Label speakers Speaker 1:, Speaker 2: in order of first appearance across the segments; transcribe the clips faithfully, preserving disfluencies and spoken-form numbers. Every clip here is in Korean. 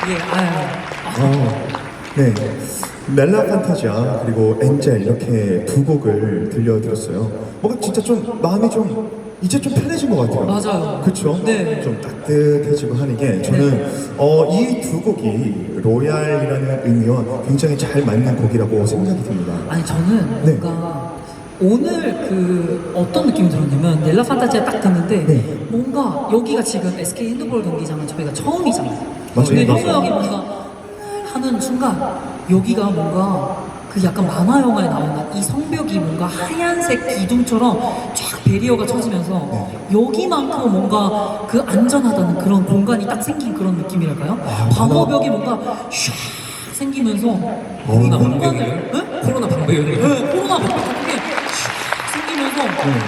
Speaker 1: 예, 아유.
Speaker 2: 어, 네. 멜라 판타지아 그리고 엔젤 이렇게 두 곡을 들려드렸어요. 뭔가 진짜 좀 마음이 좀 이제 좀 편해진 것 같아요.
Speaker 1: 맞아요.
Speaker 2: 그렇죠?
Speaker 1: 네.
Speaker 2: 좀 따뜻해지고 하는 게 저는 어, 이 두 곡이 로얄이라는 의미와 굉장히 잘 맞는 곡이라고 생각이 듭니다.
Speaker 1: 아니 저는
Speaker 2: 네.
Speaker 1: 뭔가 오늘 그 어떤 느낌이 들었냐면 넬라 판타지아 딱 듣는데
Speaker 2: 네.
Speaker 1: 뭔가 여기가 지금 에스케이 핸드볼 경기장은 저희가 처음이잖아요.
Speaker 2: 맞아요.
Speaker 1: 근데 너무
Speaker 2: 맞아요.
Speaker 1: 여기 뭔가 하는 순간 여기가 뭔가 그 약간 만화 영화에 나오는 이 성벽이 뭔가 하얀색 기둥처럼 쫙 베리어가 쳐지면서
Speaker 2: 네.
Speaker 1: 여기만큼 뭔가 그 안전하다는 그런 공간이 딱 생긴 그런 느낌이랄까요?
Speaker 2: 아,
Speaker 1: 방어벽이 뭔가 슉 생기면서
Speaker 2: 코로나
Speaker 1: 공간을 네?
Speaker 3: 코로나 방배율이
Speaker 1: 네, 코로나 방벽 같은 게 슉 생기면서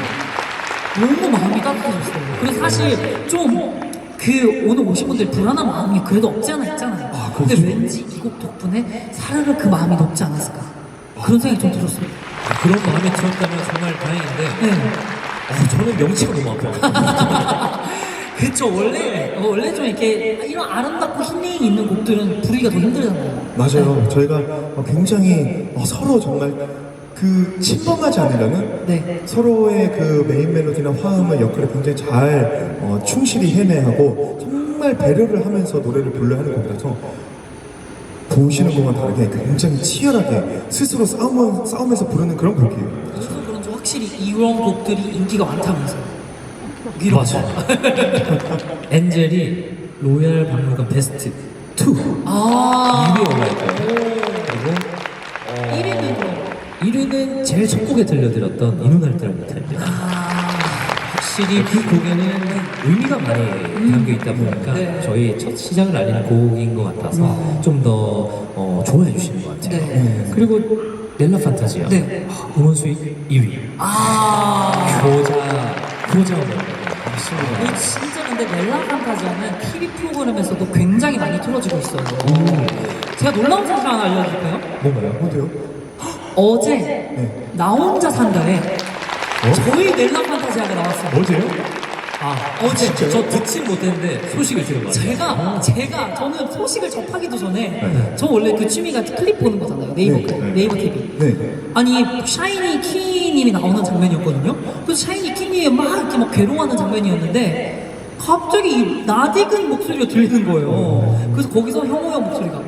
Speaker 1: 너무 마음이 따뜻해졌어요. 그래서 사실 좀 그 오늘 오신 분들 불안한 마음이 그래도 없지 않아 있잖아요.
Speaker 2: 아,
Speaker 1: 근데
Speaker 2: 그렇죠.
Speaker 1: 왠지 이 곡 덕분에 사르르 그 마음이 높지 않았을까 그런 생각이 좀 들었어요.
Speaker 3: 그런 마음이 들었다면 정말 다행인데
Speaker 1: 네.
Speaker 3: 어, 저는 명치가 너무 아파요.
Speaker 1: 그쵸 원래 어, 원래 좀 이렇게 이런 아름답고 힐링이 있는 곡들은 부르기가 더 힘들잖아요.
Speaker 2: 맞아요. 저희가 어, 굉장히 어, 서로 정말 그 침범하지 않으려는
Speaker 1: 네.
Speaker 2: 서로의 그 메인 멜로디나 화음의 역할을 굉장히 잘 어, 충실히 해내하고 정말 배려를 하면서 노래를 불러야 하는 곡이라서 보시는 것과 다르게 굉장히 치열하게 스스로 싸움, 싸우면서 부르는 그런 곡이에요.
Speaker 1: 그래서 그런지 확실히 이런 곡들이 인기가 많다면서요. 이런
Speaker 3: 맞아요.
Speaker 1: 거.
Speaker 3: 엔젤이 로얄 박물관 베스트 이
Speaker 1: 아.
Speaker 3: 위에 올라있고요. 그리고 어,
Speaker 1: 일 위는 그럼.
Speaker 3: 일 위는 제일 첫 곡에 들려드렸던 이 눈알 때를 못합니다.
Speaker 1: 아.
Speaker 3: 확실히 그 곡에는 의미가 많이 담겨 있다 보니까
Speaker 1: 네.
Speaker 3: 저희 첫 시작을 알리는 곡인 것 같아서 좀 더 어, 좋아해 주시는 것 같아요.
Speaker 1: 네.
Speaker 3: 그리고 넬라 판타지아
Speaker 1: 네.
Speaker 3: 아, 음원 수익 이 위.
Speaker 1: 아.
Speaker 3: 효자 효자 음원.
Speaker 1: 이거 진짜 근데 넬라 판타지아는 티비 프로그램에서도 굉장히 많이 틀어지고 있어요. 제가 놀라운 사실 하나 알려드릴까요?
Speaker 3: 뭔가요?
Speaker 2: 어때요?
Speaker 1: 어제
Speaker 2: 네.
Speaker 1: 나 혼자 산다에
Speaker 2: 어?
Speaker 1: 저희 넬라 판타지아가 나왔어요.
Speaker 2: 어제요?
Speaker 3: 아
Speaker 1: 어제
Speaker 3: 저 듣진 못했는데 소식을 들은 것 같아요.
Speaker 1: 제가 제가 저는 소식을 접하기도 전에
Speaker 2: 네.
Speaker 1: 저 원래 그 취미가 클립 보는 거잖아요. 네이버
Speaker 2: 네,
Speaker 1: 클립,
Speaker 2: 네.
Speaker 1: 네이버 티비.
Speaker 2: 네.
Speaker 1: 아니 샤이니 키님이 나오는 장면이었거든요. 그래서 샤이니 키님이 막 이렇게 막 괴로워하는 장면이었는데 갑자기 이 낯익은 목소리가 들리는 거예요. 그래서 거기서 형호 형 목소리가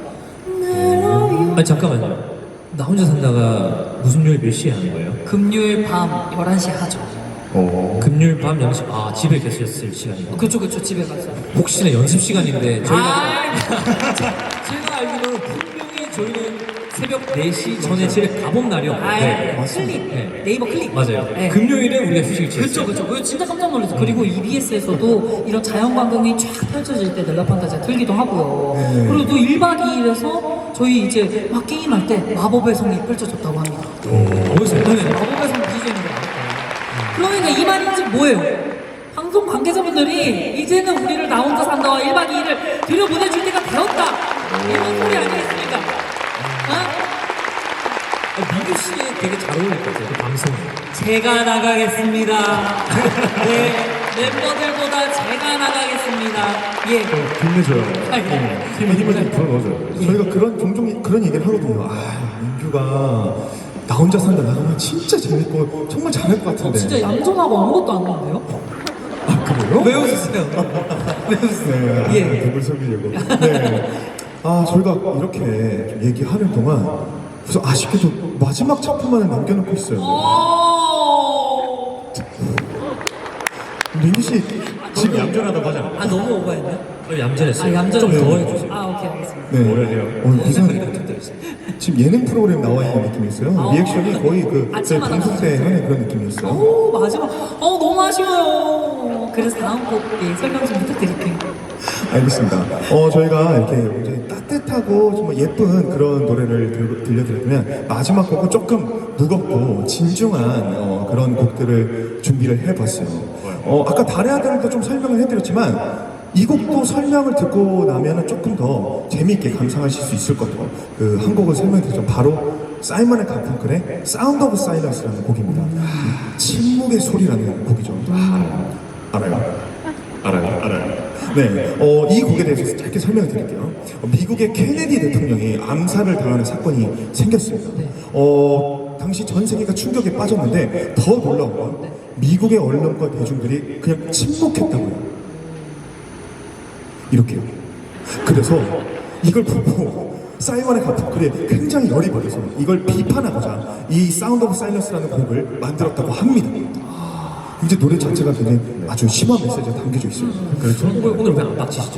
Speaker 3: 아니 잠깐만요. 나 혼자 산다가 무슨 요일 몇 시에 하는 거예요?
Speaker 1: 금요일 밤 열한 시에 하죠.
Speaker 2: 어.
Speaker 3: 금요일 밤 열한 시. 아 집에 계셨을 시간이요.
Speaker 1: 그쵸 그쵸 집에 가서.
Speaker 3: 혹시나 연습 시간인데 저희가
Speaker 1: 아,
Speaker 3: 제가 알기로는 분명히 저희는 새벽 네 시 전에 집에 가본
Speaker 1: 아,
Speaker 3: 날이었는데
Speaker 1: 클립
Speaker 3: 네.
Speaker 1: 네이버 클립
Speaker 3: 맞아요.
Speaker 1: 네.
Speaker 3: 금요일에 우리가 휴식을 취했어요.
Speaker 1: 그쵸 그쵸 그거 진짜 깜짝 놀랐어요. 그리고 이비에스에서도 이런 자연광경이 쫙 펼쳐질 때 넬라 판타지아 틀기도 하고요.
Speaker 2: 네.
Speaker 1: 그리고 또 일 박 이 일에서 저희 이제 막 게임할 때 마법의 성이 펼쳐졌다고 합니다.
Speaker 3: 어디서
Speaker 1: 네, 마법의 성 디제이는 거 나왔어요. 그러니까 이 말인지 뭐예요? 방송 관계자분들이 이제는 우리를 나 혼자 산다와 일 박 이 일을 들여보내줄 때가 되었다. 이런 소리 아니겠습니까? 어?
Speaker 3: 민규 씨 되게 잘 어울릴 것 같아요. 그 방송에.
Speaker 1: 제가 나가겠습니다. 네, 멤버들보다 제가 나가겠습니다. 예.
Speaker 2: 힘내줘요.
Speaker 1: 아, 예.
Speaker 2: 힘을 힘을 좀 불어넣어줘요. 저희가 그런 종종 그런 얘기를 하거든요. 아 민규가 나 혼자 산다 나가면 진짜 재밌고 정말 잘할 것 같은데.
Speaker 1: 진짜 얌전하고 아무것도 안 하는데요?
Speaker 2: 아 그래요?
Speaker 1: 왜 웃으세요? 왜 웃으세요?
Speaker 2: 네,
Speaker 1: 예.
Speaker 2: 누굴 속이려고. 네. 아 저희가 이렇게 좀 얘기하는 동안 그래서 아쉽게도 마지막 작품만을 남겨놓고 있어요.
Speaker 1: 오~
Speaker 2: 민규 씨 지금 얌전하다고 하잖아.
Speaker 1: 아 너무 오버했네.
Speaker 3: 어, 얌전했어요.
Speaker 1: 아 얌전
Speaker 3: 좀
Speaker 2: 네.
Speaker 3: 더 해주세요.
Speaker 1: 아 오케이 알겠습니다.
Speaker 2: 네.
Speaker 3: 뭐라 해요?
Speaker 2: 어, 이상 지금 예능 프로그램 나와 있는 느낌이었어요.
Speaker 1: 아.
Speaker 2: 리액션이 거의 그 저희
Speaker 1: 아침마다
Speaker 2: 방송 때 하는 그런 느낌이었어요.
Speaker 1: 오 마지막. 어 너무 아쉬워요. 그래서 다음 곡 예, 설명 좀 부탁드릴게요.
Speaker 2: 알겠습니다. 어, 저희가 이렇게 굉장히 따뜻하고 정말 예쁜 그런 노래를 들, 들려드렸다면 마지막 곡은 조금 무겁고 진중한 어, 그런 곡들을 준비를 해봤어요. 어, 아까 달의 아들도 좀 설명을 해드렸지만 이 곡도 설명을 듣고 나면 조금 더 재미있게 감상하실 수 있을 것 같아요. 그 한 곡을 설명드리죠. 바로 사이먼 앤 가펑클의 사운드 오브 사일런스라는 곡입니다. 침묵의 소리라는 곡이죠. 알아요? 알아요? 알아요? 알아요? 네, 어, 이 곡에 대해서 짧게 설명을 드릴게요. 어, 미국의 케네디 대통령이 암살을 당하는 사건이 생겼습니다. 어, 당시 전 세계가 충격에 빠졌는데 더 놀라운 건 미국의 언론과 대중들이 그냥 침묵했다고요. 이렇게요. 그래서 이걸 보고 사이먼의 가펑클이 굉장히 열이 받아서 이걸 비판하고자 이 사운드 오브 사일런스라는 곡을 만들었다고 합니다. 이제 노래 자체가 굉장히 아주 심한 메시지가 담겨져 있어요.
Speaker 3: 그렇죠. 오늘, 오늘 왜 안 빡치시죠?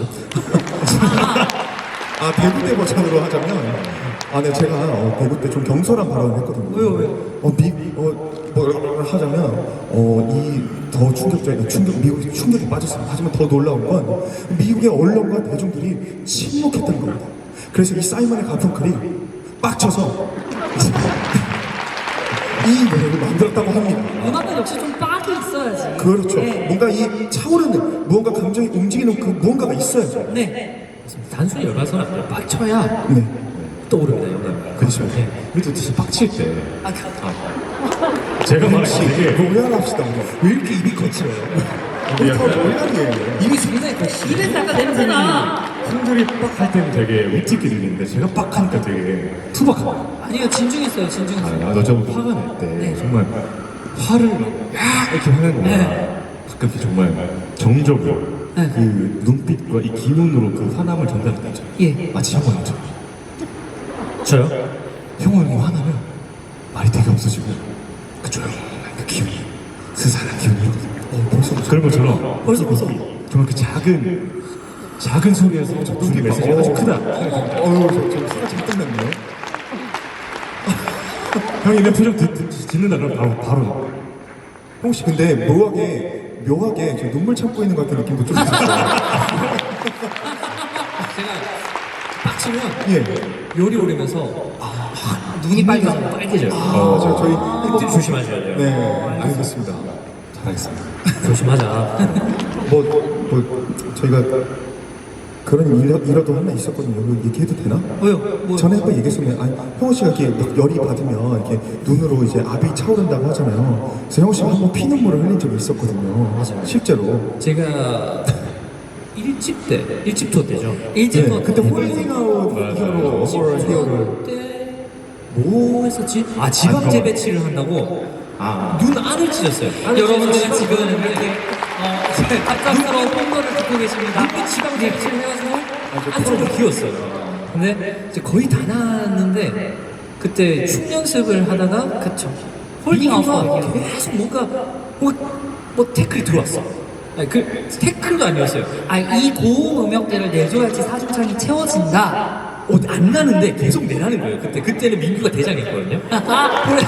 Speaker 2: 아, 대구 때 버전으로 하자면, 아, 네, 제가 어, 대구 때 좀 경솔한 발언을 했거든요.
Speaker 1: 왜요, 왜요?
Speaker 2: 어, 미, 어, 뭐 하자면, 어, 이 더 충격적인, 충격, 미국이 충격에 빠졌습니다. 하지만 더 놀라운 건 미국의 언론과 대중들이 침묵했던 겁니다. 그래서 이 사이먼의 가펑클이 빡쳐서 이 노래를 만들었다고 합니다.
Speaker 1: 음악은 역시 좀 빡이 있어야지.
Speaker 2: 그렇죠.
Speaker 1: 네.
Speaker 2: 뭔가 이 차오르는, 무언가 감정이 움직이는 그 무언가가 있어야죠.
Speaker 1: 네.
Speaker 3: 단순히 열받아서는 안 돼요. 빡쳐야
Speaker 2: 네.
Speaker 3: 떠오릅니다, 영감.
Speaker 2: 그렇죠.
Speaker 3: 네.
Speaker 4: 우리도 진짜 빡칠 때
Speaker 1: 아, 그,
Speaker 4: 제가 말했지 되게
Speaker 2: 노래합시다. 왜 이렇게 입이 거칠어요? 우리 다 노래하기에요.
Speaker 1: 입이 굉장히 그 입에서 약간 냄새나.
Speaker 4: 형들이 빡할 때는 되게 위트있게 들리는데 제가 빡하니까 되게 투박합니다.
Speaker 1: 아니요, 진중했어요, 진중했어요.
Speaker 4: 아, 너 저번 화가 날 때
Speaker 1: 네.
Speaker 4: 정말 화를 막 야! 이렇게 화내는 거야.
Speaker 1: 네.
Speaker 4: 가끔 이렇게 정말 정적으로
Speaker 1: 네.
Speaker 4: 그 눈빛과 이 기운으로 그 화남을 전달할 때 있죠.
Speaker 1: 예.
Speaker 4: 마치 형은 죠
Speaker 3: 저요?
Speaker 4: 형은 뭐 화나면 말이 되게 없어지고 그 조용한 그 기운이 스산한 기운이 어, 벌써 그런 것처럼
Speaker 1: 벌써, 벌써.
Speaker 4: 정말 그 작은 작은 소리에서 저 눈빛 메시지가 아주 크다.
Speaker 2: 어휴, 저, 저 사가 잘 끝났네요.
Speaker 4: 형이 내 표정 듣, 듣, 듣는다 그러면 바로 바로
Speaker 2: 혹시 근데 묘하게, 묘하게 저 눈물 참고 있는 것 같은 느낌도 좀 있었어요.
Speaker 3: 제가 빡치면
Speaker 2: 예.
Speaker 3: 요리 오리면서 아, 확 눈이 빨개져요. 빨개져요.
Speaker 2: 아, 저, 저희.
Speaker 3: 꼭 조심하셔야 돼요.
Speaker 2: 네, 알겠습니다.
Speaker 4: 잘하겠습니다.
Speaker 3: 조심하자.
Speaker 2: 뭐, 뭐, 저희가 그런 일화, 일화도 하나 있었거든요. 이거 얘기해도 되나?
Speaker 1: 왜요? 뭐,
Speaker 2: 전에 한번 얘기했었는데, 아니, 형호 씨가 이렇게 막 열이 받으면 이렇게 눈으로 이제 압이 차오른다고 하잖아요. 그래서 형호 씨가 한번 피눈물을 흘린 적이 있었거든요.
Speaker 3: 맞아요.
Speaker 2: 실제로.
Speaker 3: 제가 일집 때, 일집 투어 때죠.
Speaker 1: 일찍
Speaker 2: 네, 그때 홀딩 아웃 히어로, 어퍼 히어로를.
Speaker 3: 그때 뭐 했었지? 아 지방 재배치를 한다고
Speaker 4: 아
Speaker 3: 눈 안을 찢었어요. 안을
Speaker 1: 여러분들은
Speaker 3: 찢어서
Speaker 1: 지금 이렇게 어, 갑작스러운 홍보를 듣고 계십니다.
Speaker 3: 눈빛 지방 재배치를 해가지고 안쪽으로 기웠어요. 근데 이제 거의 다 나왔는데 그때 춤 연습을 하다가
Speaker 1: 그쵸. 홀딩 아웃.
Speaker 3: 민규가 계속 뭔가 뭐, 뭐 태클이 들어왔어. 아니 그 태클도 아니었어요.
Speaker 1: 아, 이 고음 음역대를 내줘야지 사중창이 채워진다.
Speaker 3: 어, 안 나는데 계속 내라는 거예요. 그때 그때는 민규가 대장이었거든요. 그래서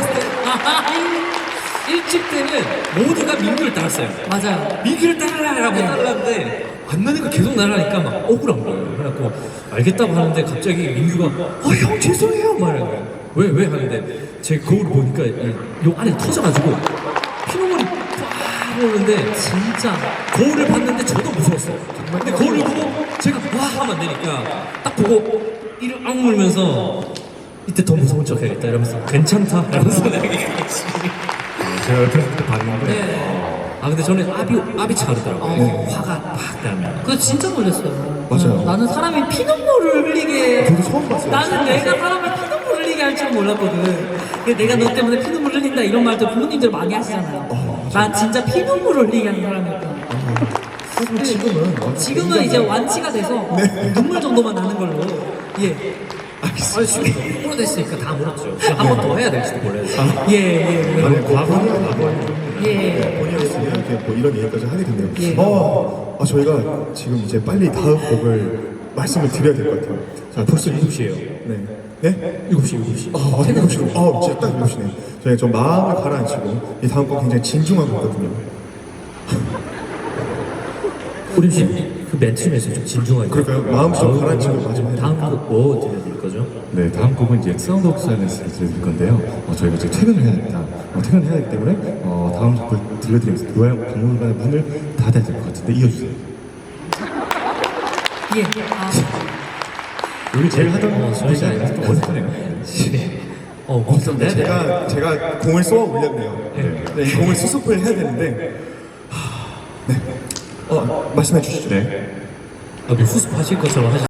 Speaker 3: 일집 때는 모두가 민규를 따랐어요.
Speaker 1: 맞아요.
Speaker 3: 민규를 따라라라고 따라는데 안 나니까 계속 나라니까 막 억울한 거예요. 그래갖고 알겠다고 하는데 갑자기 민규가 어 형 죄송해요 말하는 거예요. 왜 왜 하는데 제 거울을 보니까 이, 요 안에 터져가지고 피눈물이 빡 오는데
Speaker 1: 진짜.
Speaker 3: 거울을 봤는데 저도 무서웠어요. 근데 거울을 보고 제가 와 하면 안 되니까 딱 보고 이를 악물면서 이때 더 무서운 척 해야겠다 이러면서 괜찮다 이러면서 내가 얘기했지.
Speaker 4: 제가 옆에서 그때 봤는데
Speaker 3: 네. 아 근데 저는 압이 압이 차르더라고요.
Speaker 2: 어.
Speaker 3: 화가 팍 나면.
Speaker 1: 그거 진짜 놀랐어요.
Speaker 2: 맞아요.
Speaker 1: 음, 나는 사람이 피눈물을 흘리게.
Speaker 2: 저도 처음 봤어요.
Speaker 1: 나는 내가 사람을 피눈물 흘리게 할 줄 몰랐거든. 근데 내가 너 때문에 피눈물 흘린다 이런 말도 부모님들 많이 하시잖아요. 난 진짜 피눈물 흘리게 하는 사람이었다.
Speaker 2: 하지만 지금은. 완전
Speaker 1: 지금은 이제 완치가 돼서 눈물 정도만 나는 걸로. 예.
Speaker 3: 아니 지금 오래됐으니까 다 물었죠. 한 번 더 해야 될지도 몰라요.
Speaker 1: 예, 예, 예.
Speaker 2: 아니, 과거는 과거.
Speaker 1: 예.
Speaker 2: 본의였으면 이렇게 뭐 이런 얘기까지 하게 됐네요.
Speaker 1: 예.
Speaker 2: 어, 아, 저희가 지금 이제 빨리 다음 곡을 말씀을 드려야 될 것 같아요. 자, 벌써
Speaker 3: 일곱 시예요.
Speaker 2: 네. 네?
Speaker 3: 일곱 시 일곱 시.
Speaker 2: 아, 맞아, 일곱 시로. 아, 진짜 딱 일곱 시네. 저희가 좀 마음을 가라앉히고, 이 다음 곡 굉장히 진중한 거거든요.
Speaker 3: 우림 씨그 멘트에서 좀 진중하게.
Speaker 2: 그럴까요? 마음 좀
Speaker 3: 아우,
Speaker 2: 가라앉히고 마지막에.
Speaker 3: 다음 곡뭐 들려드릴 거죠?
Speaker 4: 네, 다음 곡은 이제 사운드 오브 사일런스를 들려드릴 건데요. 어, 저희가 이제 퇴근을 해야 됩니다. 어, 퇴근을 해야 되기 때문에 어, 다음 곡을 들려드리면서 노래 박물관의 문을 닫아야 될 것 같은데 이어주세요.
Speaker 1: 예. 아,
Speaker 4: 여기 제일 하던
Speaker 3: 어,
Speaker 4: 곳이
Speaker 3: 저희가
Speaker 4: 아니라서 좀 어색하네요.
Speaker 3: 어, 무섭네.
Speaker 2: 제가, 제가 공을 쏘아 올렸네요. 네, 이 공을 수습을 해야 되는데, 하, 네. 어, 말씀해 주시죠.
Speaker 4: 네.
Speaker 3: 아, 뭐 수습하실 것처럼 하시.